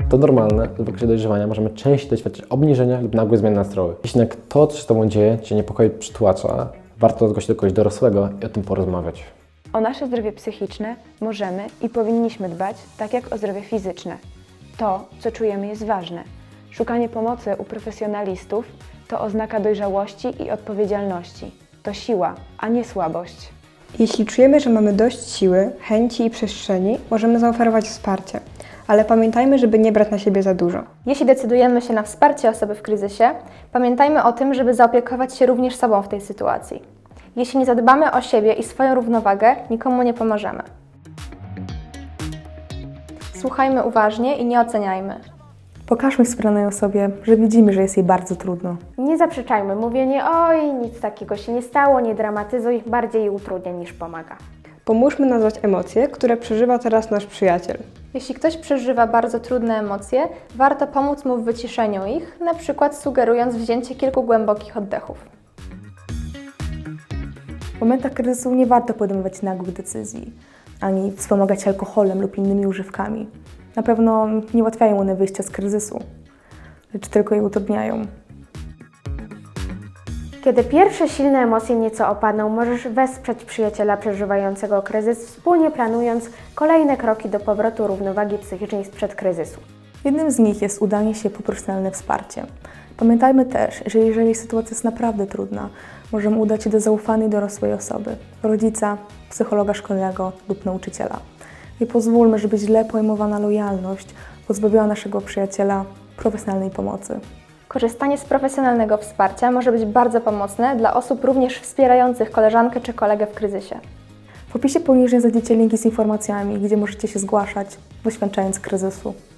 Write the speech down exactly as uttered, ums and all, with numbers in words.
To normalne, że w okresie dojrzewania możemy częściej doświadczyć obniżenia lub nagłych zmian nastroju. Jeśli jednak to, co się z Tobą dzieje, Cię niepokoi, przytłacza, warto zgłosić do kogoś dorosłego i o tym porozmawiać. O nasze zdrowie psychiczne możemy i powinniśmy dbać tak jak o zdrowie fizyczne. To, co czujemy, jest ważne. Szukanie pomocy u profesjonalistów to oznaka dojrzałości i odpowiedzialności. To siła, a nie słabość. Jeśli czujemy, że mamy dość siły, chęci i przestrzeni, możemy zaoferować wsparcie, ale pamiętajmy, żeby nie brać na siebie za dużo. Jeśli decydujemy się na wsparcie osoby w kryzysie, pamiętajmy o tym, żeby zaopiekować się również sobą w tej sytuacji. Jeśli nie zadbamy o siebie i swoją równowagę, nikomu nie pomożemy. Słuchajmy uważnie i nie oceniajmy. Pokażmy wspieranej osobie, że widzimy, że jest jej bardzo trudno. Nie zaprzeczajmy, mówienie oj, nic takiego się nie stało, nie dramatyzuj, bardziej utrudnia niż pomaga. Pomóżmy nazwać emocje, które przeżywa teraz nasz przyjaciel. Jeśli ktoś przeżywa bardzo trudne emocje, warto pomóc mu w wyciszeniu ich, na przykład sugerując wzięcie kilku głębokich oddechów. W momentach kryzysu nie warto podejmować nagłych decyzji, ani wspomagać alkoholem lub innymi używkami. Na pewno nie ułatwiają one wyjścia z kryzysu, lecz tylko je utrudniają. Kiedy pierwsze silne emocje nieco opadną, możesz wesprzeć przyjaciela przeżywającego kryzys, wspólnie planując kolejne kroki do powrotu równowagi psychicznej sprzed kryzysu. Jednym z nich jest udanie się po profesjonalne wsparcie. Pamiętajmy też, że jeżeli sytuacja jest naprawdę trudna, możemy udać się do zaufanej dorosłej osoby, rodzica, psychologa szkolnego lub nauczyciela. Nie pozwólmy, żeby źle pojmowana lojalność pozbawiła naszego przyjaciela profesjonalnej pomocy. Korzystanie z profesjonalnego wsparcia może być bardzo pomocne dla osób również wspierających koleżankę czy kolegę w kryzysie. W opisie poniżej znajdziecie linki z informacjami, gdzie możecie się zgłaszać, doświadczając kryzysu.